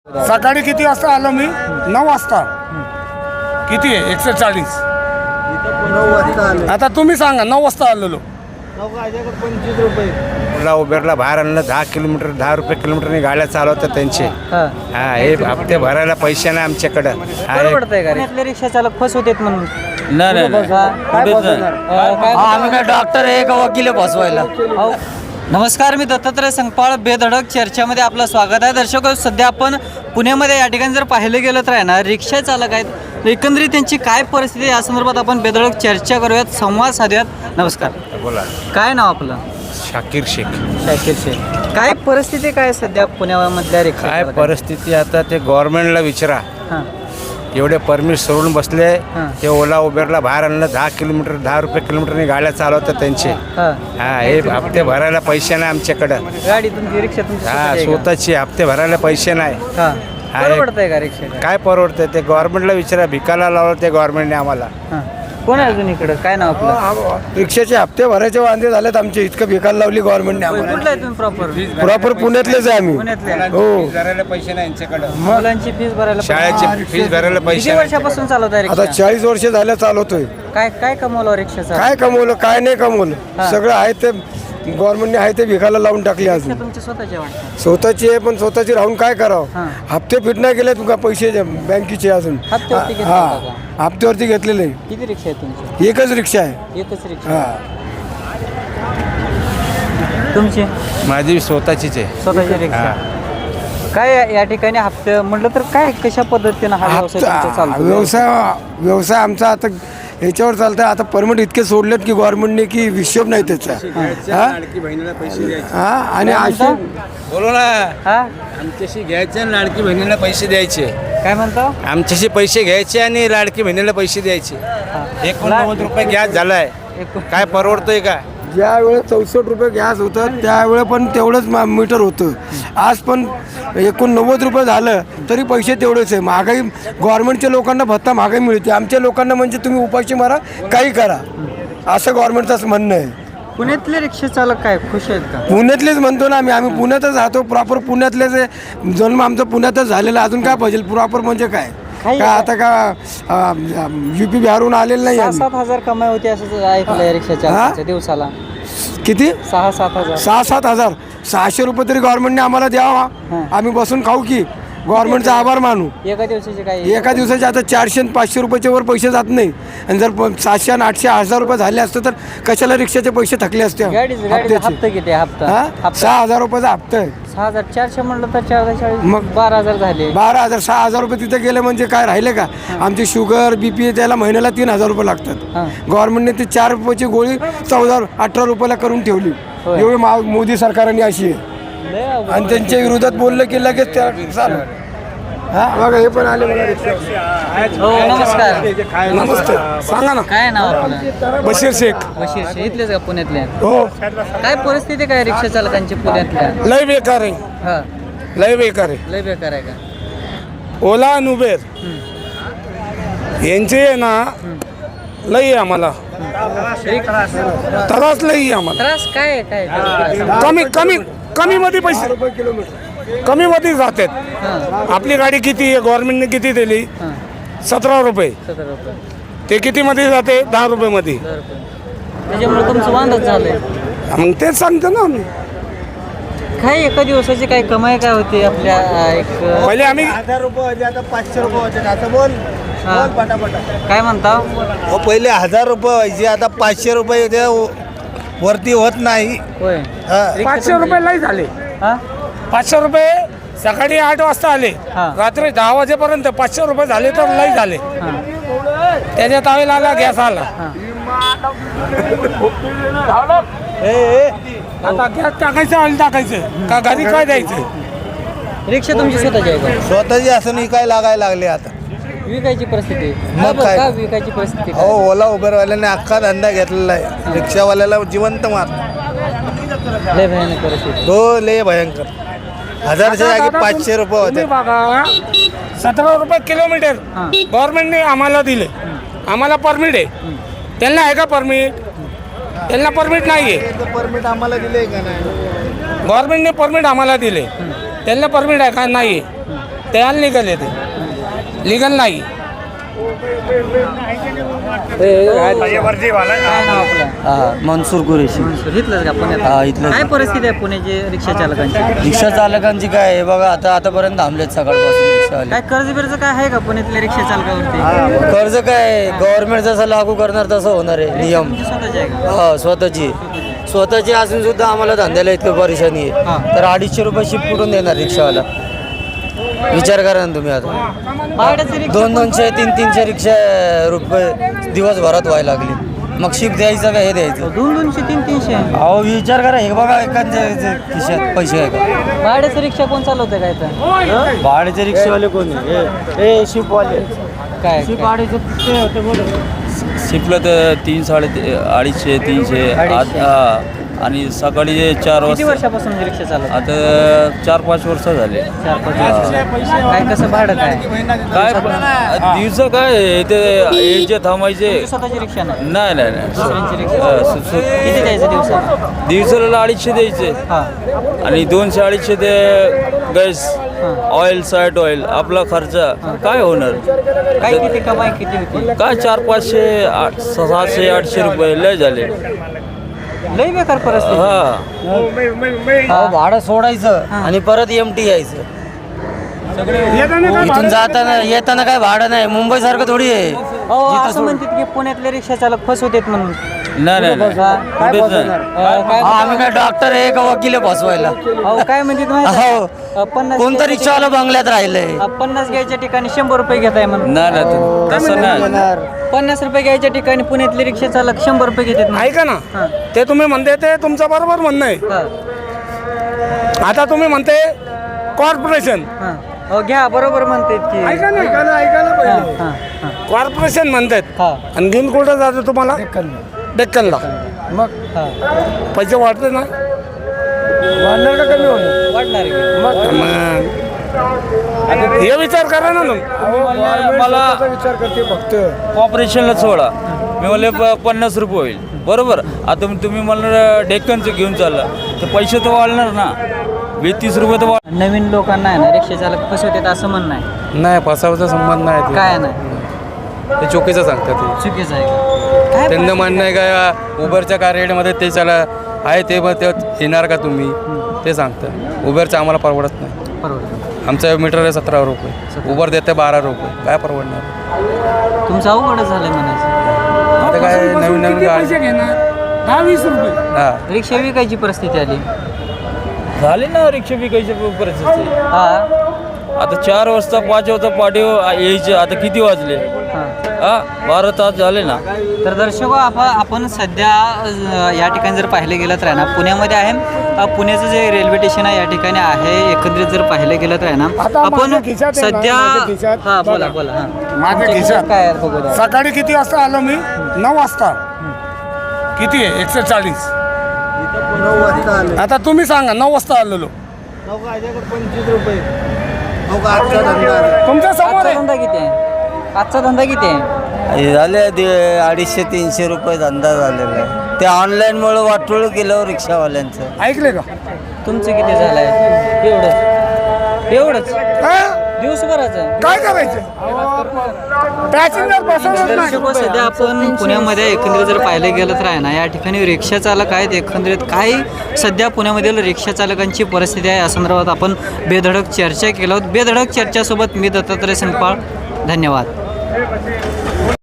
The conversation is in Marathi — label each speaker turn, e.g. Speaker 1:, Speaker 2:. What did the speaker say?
Speaker 1: सकाळी किती वाजता आलो मी? 9 वाजता. किती आहे? 140.
Speaker 2: 9 वाजता आले.
Speaker 1: आता तुम्ही सांगा. 9 वाजता आलेलो.
Speaker 2: 25 रुपये.
Speaker 3: ओला उबेरला बाहेर आणलं 10 किलोमीटर 10 रुपये किलोमीटरने गाड्या चालवतात त्यांचे. हा हे हप्ते भरायला पैसे नाही आमच्याकडं. हा एक-
Speaker 4: पडतंय का रे? रिक्षा चालक फस होतेत म्हणून
Speaker 2: काय बसवणार?
Speaker 4: आम्ही काय डॉक्टर आहे का वकील बसवायला? नमस्कार, मी दत्तात्रय संगपाळ. बेधडक चर्चामध्ये आपलं स्वागत आहे. दर्शक, सध्या आपण पुण्यामध्ये या ठिकाणी जर पाहिलं गेलं तर आहे ना, रिक्षा चालक आहेत. एकंदरीत त्यांची काय परिस्थिती आहे या संदर्भात आपण बेधडक चर्चा करूयात, संवाद साधूयात. नमस्कार,
Speaker 3: बोला.
Speaker 4: काय नाव आपलं?
Speaker 3: शाकीर शेख.
Speaker 4: शाकीर शेख. काय परिस्थिती काय सध्या पुण्यामधल्या रिक्षा
Speaker 3: काय
Speaker 4: चालकांची?
Speaker 3: परिस्थिती आता ते गव्हर्नमेंटला विचारा.
Speaker 4: हां
Speaker 3: एवढे परमिट सोडून बसले.
Speaker 4: हां.
Speaker 3: ते ओला उबेरला बाहेर आणलं 10 किलोमीटर 10 रुपये किलोमीटरने गाड्या चालवतात त्यांचे.
Speaker 4: हां.
Speaker 3: हा हे हप्ते भरायला पैसे नाही आमच्याकडं.
Speaker 4: गाडी तुमची, रिक्षा तुमची
Speaker 3: हा
Speaker 4: स्वतःची आहे का?
Speaker 3: स्वतःची हप्ते भरायला पैसे नाही.
Speaker 4: हां.
Speaker 3: हा,
Speaker 4: परवडतंय का रिक्षा?
Speaker 3: काय परवडतं ते गव्हर्नमेंटला विचारा. भिकाला लावलं ते गव्हर्नमेंटने आम्हाला.
Speaker 4: हां. कोण आहे अजून इकडं? काय नाव आपलं?
Speaker 2: रिक्षाचे हप्ते भरायचे वांदे झालेत आमचे. इतकं भिकायला लावली गव्हर्नमेंटने
Speaker 4: कुठलं
Speaker 2: आम्हाला.
Speaker 4: आहे तुम्ही प्रॉपर?
Speaker 2: प्रॉपर पुण्यातलेच आहे आम्ही.
Speaker 4: पुण्यातले.
Speaker 2: हो.
Speaker 3: भरायला पैसे नाही यांच्याकडं.
Speaker 4: मुलांची फीस भरायला
Speaker 3: शाळेची फीस भरायला पैसे
Speaker 4: किती
Speaker 3: नाही.
Speaker 4: वर्षापासून चालवत आहे
Speaker 2: आता
Speaker 4: रिक्षा?
Speaker 2: 40 वर्ष झालं चालवतोय.
Speaker 4: काय काय कमवलं रिक्षाचा?
Speaker 2: काय कमवलं काय नाही कमवलं.
Speaker 4: हा.
Speaker 2: सगळं आहे ते गव्हर्नमेंटने आहे ते भिकाला लावून टाकले. अजून
Speaker 4: रिक्षा तुमची स्वतःची वाटतं?
Speaker 2: स्वतःची आहे पण स्वतःची राहून काय
Speaker 4: हा.
Speaker 2: करावं. हप्ते फिट नाही गेले तुका पैसे बँकेचे अजून.
Speaker 4: हप्त्यावरती घेतले
Speaker 2: हा
Speaker 4: होता
Speaker 2: हप्त्यावरती घेतलेले.
Speaker 4: किती रिक्षा आहे तुमची?
Speaker 2: एकच रिक्षा आहे.
Speaker 4: एकच रिक्षा.
Speaker 2: हा
Speaker 4: तुमची
Speaker 3: माझी स्वतःचीच आहे.
Speaker 4: स्वतःची रिक्षा. काय या ठिकाणी हप्ते म्हटलं तर काय कशा पद्धतीनं हा व्यवसाय तुमचा चालतो?
Speaker 2: व्यवसाय आमचा आता ह्याच्यावर चालतंय. आता परमिट इतके सोडलेत की गव्हर्नमेंटने की हिशोब नाही त्याचा. हा? हा आणि असे
Speaker 3: बोलो ना.
Speaker 4: हा
Speaker 3: आमच्याशी घ्यायचे आणि लाडकी बहिणीला पैसे द्यायचे.
Speaker 4: काय म्हणतो?
Speaker 3: आमच्याशी पैसे घ्यायचे आणि लाडकी बहिणीला पैसे द्यायचे. 89 रुपये गॅस झालाय. काय परवडतोय का?
Speaker 2: ज्या वेळेस 64 रुपये गॅस होतं त्यावेळेस पण तेवढंच मीटर होतं. आज पण 89 रुपये झालं तरी पैसे तेवढेच आहे. महागाई गव्हर्नमेंटच्या लोकांना भत्ता महागाई मिळते. आमच्या लोकांना म्हणजे तुम्ही उपाशी मारा काही करा असं गव्हर्नमेंटचं म्हणणं आहे.
Speaker 4: पुण्यातले रिक्षा चालक काय खुश आहेत का?
Speaker 2: पुण्यातलेच म्हणतो ना आम्ही पुण्यातच राहतो. प्रॉपर पुण्यातलेच आहे. जन्म आमचा पुण्यातच झालेला. अजून काय पाहिजे? प्रॉपर म्हणजे काय
Speaker 4: काही
Speaker 2: काय आता का UP बिहारहून आलेलं नाही आम्ही.
Speaker 4: 6-7 हजार कमाई होती असं ऐकलं रिक्षा चालकाच्या दिवसाला.
Speaker 2: किती?
Speaker 4: 6-7 हजार.
Speaker 2: 6-7 हजार. 600 रुपये तरी गव्हर्नमेंटने आम्हाला द्यावा. आम्ही बसून खाऊ की गव्हर्नमेंटचा आभार मानू.
Speaker 4: एका दिवसाचे काय?
Speaker 2: एका दिवसाचे आता 400 आणि 500 रुपयाच्या वर पैसे जात नाही. आणि जर 700 आणि 800 1000 रुपये झाले असते तर कशाला रिक्षाचे पैसे थकले असते
Speaker 4: गाडीचा
Speaker 2: हप्त्याचे.
Speaker 4: हप्ता किती आहे? हप्ता
Speaker 2: हा? 6000 रुपयाचा हप्ता आहे.
Speaker 4: 6400 म्हणलं तर 440
Speaker 2: मग
Speaker 4: 12,000 झाले.
Speaker 2: 12,000 6,000 रुपये तिथे गेले म्हणजे काय राहिले का? आमची शुगर BP त्याला महिन्याला 3,000 रुपये लागतात.
Speaker 4: हां.
Speaker 2: गव्हर्नमेंटने ती 4 रुपयाची गोळी 14-18 रुपयाला करून ठेवली.
Speaker 4: होय.
Speaker 2: एवढी मोदी सरकारने अशी आहे.
Speaker 4: लय अवघड.
Speaker 2: आणि त्यांच्या विरोधात बोललं की लगेच त्या चालू. हा बघा हे पण आले बघा रिक्षा.
Speaker 4: हो नमस्कार.
Speaker 2: नमस्ते सांगा ना.
Speaker 4: काय नाव आपलं?
Speaker 1: बशीर शेख.
Speaker 4: बशीर शेख. इथलेच का पुण्यातले?
Speaker 1: हो.
Speaker 4: काय परिस्थिती काय रिक्षा चालकांची पुण्यातल्या?
Speaker 1: लय बेकार आहे.
Speaker 4: हा
Speaker 1: लय बेकार आहे.
Speaker 4: लय बेकार आहे का?
Speaker 1: ओला आणि उबेर यांचे आहे ना लई आहे आम्हाला. त्रास लई आहे आम्हाला.
Speaker 4: त्रास काय आहे? काय
Speaker 1: कमी कमी कमी मध्ये पैसे कमी मध्ये जातात.
Speaker 4: हां
Speaker 1: आपली गाडी किती आहे? गव्हर्नमेंटने किती दिली?
Speaker 4: हां
Speaker 1: 17 रुपये.
Speaker 4: 17 रुपये.
Speaker 1: ते किती मध्ये जाते? 10 रुपये मध्ये.
Speaker 4: 10 रुपये. त्याच्यामुळे तुमचं वांदच झालंय.
Speaker 1: मग तेच सांगतो ना आम्ही.
Speaker 4: काय एका दिवसाची काय कमाई काय होती आपल्या एक
Speaker 1: पहिले आम्ही
Speaker 2: 1000 रुपये होते आता 500 रुपये होते. आता बोल
Speaker 4: हा.
Speaker 2: पटापटा.
Speaker 4: काय म्हणता?
Speaker 2: पहिले 1000 रुपये व्हायचे आता 500 रुपये होते. वरती होत नाही.
Speaker 4: होय.
Speaker 1: 500 रुपये लई झाले.
Speaker 4: हा
Speaker 1: 500 रुपये सकाळी 8 वाजता आले.
Speaker 4: हा.
Speaker 1: रात्री 10 वाजेपर्यंत 500 रुपये झाले तर लई झाले.
Speaker 4: हा
Speaker 1: त्याच्या तावेला आला गॅस आला.
Speaker 4: हा.
Speaker 1: आता गॅस टाकायचं ऑइल टाकायचं का घरी काय द्यायचं?
Speaker 4: रिक्षा तुमची स्वतःची आहे का?
Speaker 2: स्वतःची असं विकायला लागायला लागले आता.
Speaker 4: विकायची परिस्थिती?
Speaker 2: मग
Speaker 4: का बरं?
Speaker 2: काय?
Speaker 4: का विकायची परिस्थिती?
Speaker 2: हो ओला उबेरवाल्याने अख्खा धंदा घेतलेला आहे. रिक्षावाल्याला जिवंत मार.
Speaker 4: लय भयानक परिस्थिती.
Speaker 2: हो लय भयंकर. 1000च्या जागी 500 रुपये होते.
Speaker 1: तुम्ही बघा 17 रुपये किलोमीटर
Speaker 4: हां.
Speaker 1: गव्हर्नमेंटने आम्हाला दिले. आम्हाला परमिट आहे. त्यांना आहे का परमिट? त्यांना परमिट नाही आहे.
Speaker 2: परमिट आम्हाला दिले का नाही?
Speaker 1: गव्हर्नमेंटने परमिट आम्हाला दिले. त्यांना परमिट आहे का? नाही आहे. त्याला लिगल येते, लिगल नाही.
Speaker 4: काय नाव आपलं?
Speaker 5: मनसूर कुरेशी.
Speaker 4: इथलंच का पुण्यात?
Speaker 5: हा, इथलंच.
Speaker 4: काय परिस्थिती आहे पुण्याची रिक्षा चालकांची?
Speaker 5: रिक्षा चालकांची काय आहे बघा, आतापर्यंत थांबलेत सकाळपासून रिक्षावाले.
Speaker 4: काय कर्ज बिर्ज काय आहे का पुण्यातल्या रिक्षा चालकावरती?
Speaker 5: कर्ज काय गव्हर्नमेंट जसं लागू करणार तसं होणार आहे नियम.
Speaker 4: तुमची स्वतःची आहे का?
Speaker 5: हा, स्वतःची असून सुद्धा आम्हाला धंद्याला इतकं परेशानी
Speaker 4: हा.
Speaker 5: आहे. तर 250 रुपये शिफ्ट कुठून देणार रिक्षावाला? विचार करा ना तुम्ही आता.
Speaker 4: भाड्याची रिक्षा
Speaker 5: 200-200, 300 रिक्षा रुपये दिवसभरात व्हायला लागली. मग शिफ्ट द्यायचं का हे द्यायचं?
Speaker 4: 200, 300.
Speaker 5: अहो विचार करा, हे बघा एखाद्या खिशात पैसे आहे का?
Speaker 4: भाड्याची रिक्षा कोण चालवतं काय तर?
Speaker 5: भाड्याचे रिक्षावाले कोण आहे? शिपवाले.
Speaker 4: काय
Speaker 6: शिकलं तर 250, 300 आणि सकाळी 4
Speaker 4: किती
Speaker 6: वाजता.
Speaker 4: वर्षापासून रिक्षा चालवत?
Speaker 6: आता 4-5 वर्ष झाले.
Speaker 4: 4-5 वर्ष. काय कसं भाडं काय?
Speaker 6: काय दिवस काय इथे यायचे थांबायचे.
Speaker 4: तुमची स्वतःची रिक्षा नाही?
Speaker 6: नाही नाही नाही
Speaker 4: दुसऱ्यांची रिक्षा. किती द्यायचं दिवसाला?
Speaker 6: दिवसाला 250 द्यायचे
Speaker 4: हा.
Speaker 6: आणि 200-250 ते गॅस ऑइल, साईड ऑइल, आपला खर्च काय होणार?
Speaker 4: काय किती कमाई किती होती?
Speaker 6: काय 400-500, 700-800 रुपये लय झाले.
Speaker 4: लई बेकार परिस्थिती.
Speaker 6: हा
Speaker 5: अहो भाडं सोडायचं आणि परत एमटी यायचं. इथून जाताना येताना काय भाडं नाही. मुंबई सारखं थोडी आहे.
Speaker 4: असं म्हणतात की पुण्यातले रिक्षा चालक फसवतात म्हणून.
Speaker 6: नाही नाही नाही. कुठेच नाही.
Speaker 4: काय
Speaker 5: आम्ही काय डॉक्टर आहे का वकील आहे फसवायला?
Speaker 4: अहो काय म्हणतात माहिती आहे? 50
Speaker 5: कोणतं रिक्षावाला बंगल्यात राहिलंय?
Speaker 4: 50 घ्यायच्या ठिकाणी 100 रुपये घेत आहे म्हणून.
Speaker 6: नाही नाही तसं नाही.
Speaker 4: 50 रुपये घ्यायच्या ठिकाणी पुण्यातले रिक्षा चालक 100 रुपये घेतात म्हणून.
Speaker 1: ऐका ना,
Speaker 4: हा.
Speaker 1: ते तुम्ही म्हणते ते तुमचं बरोबर म्हणणं आहे.
Speaker 4: हा.
Speaker 1: आता तुम्ही म्हणते कॉर्पोरेशन,
Speaker 4: हा. अहो घ्या, बरोबर म्हणतात की.
Speaker 1: ऐका ना, ऐकायला
Speaker 4: हा,
Speaker 1: पाहिजे.
Speaker 4: हा, हा.
Speaker 1: कॉर्पोरेशन म्हणतात
Speaker 4: हा.
Speaker 1: आणि घेऊन कुठं जातं तुम्हाला? डेक्कनला.
Speaker 4: मग हा.
Speaker 1: पैसे वाढते ना,
Speaker 2: वाढणार का कमी होणार?
Speaker 4: वाढणार की.
Speaker 1: मग हे विचार करा ना तुम्ही.
Speaker 6: मला
Speaker 2: विचार करते फक्त.
Speaker 6: ऑपरेशनला सोडा, मी म्हणले 50 रुपये होईल. बरोबर. आता तुम्ही मला डेक्कनचं घेऊन चालला तर पैसे तर वाढणार ना. 20-30 रुपये तर वाढ.
Speaker 4: नवीन लोकांना आहे ना रिक्षा चालक फसवतात असं म्हणणं आहे.
Speaker 7: नाही, फसावाचा संबंध नाही
Speaker 4: काय नाही,
Speaker 7: ते चुकीचं सांगतात ते.
Speaker 4: चुकीचं आहे का? काय
Speaker 7: त्यांना म्हणणं आहे का उबरच्या कार रेटमध्ये ते चला आहे ते मग ते येणार का तुम्ही ते सांगतात. उबरचं आम्हाला परवडत नाही.
Speaker 4: परवडतं.
Speaker 7: आमचं मीटर आहे 17 रुपये, उबर देते 12 रुपये. काय परवडणार?
Speaker 4: तुमचं अवघडच झालंय म्हणायचं.
Speaker 7: आता काय नवीन नवीन
Speaker 1: किती पैसे
Speaker 7: गाडी.
Speaker 1: घेणार? 10-20 रुपये.
Speaker 7: हां,
Speaker 4: रिक्षा विकायची परिस्थिती आली.
Speaker 6: झाले ना रिक्षा विकायची परिस्थिती.
Speaker 4: हा.
Speaker 6: आता 4 वाजता 5 वाजता पाठी यायचे. आता किती वाजले?
Speaker 4: हा.
Speaker 6: 12 तास झाले ना.
Speaker 4: तर दर्शको आपण सध्या या ठिकाणी जर पाहिलं गेलं तर आहे ना पुण्यामध्ये आहे. पुण्याचं जे रेल्वे स्टेशन आहे या ठिकाणी आहे. एकंदरीत जर पाहिलं गेलं तर आहे ना
Speaker 1: आता
Speaker 4: आपण
Speaker 1: माझ्या खिशात आहे ना,
Speaker 4: सध्या
Speaker 1: माझ्या खिशात.
Speaker 4: हा बोला बोला. हा.
Speaker 1: माझ्या
Speaker 4: तुमच्या
Speaker 1: खिशात.
Speaker 4: काय आहे बघू द्या.
Speaker 1: सकाळी किती वाजता आलो मी? 9 वाजता. किती आहे? 140. आता तुम्ही सांगा, 9 वाजता आलेलो. तुमच्या समोर
Speaker 4: आजचा
Speaker 1: आहे.
Speaker 4: धंदा किती आहे? आजचा धंदा किती आहे?
Speaker 5: झाले 250-300 रुपये धंदा झालेला आहे. ते ऑनलाईनमुळे वाटोळ केलं रिक्षावाल्यांचं.
Speaker 1: ऐकले का?
Speaker 4: तुमचं किती झालंय? एवढंच
Speaker 1: हा?
Speaker 4: दिवसभराचं.
Speaker 1: काय करायचं? पॅसेंजर बसवणार
Speaker 4: दर्शको
Speaker 1: नाही.
Speaker 4: सध्या आपण पुण्यामध्ये एकंदरीत जर पाहिलं गेलं तर आहे ना या ठिकाणी रिक्षा चालक आहेत. एकंदरीत काय सध्या पुण्यामधील रिक्षा चालकांची परिस्थिती आहे या संदर्भात आपण बेधडक चर्चा केलो. बेधडक चर्चासोबत मी दत्तात्रय संगपाळ. धन्यवाद.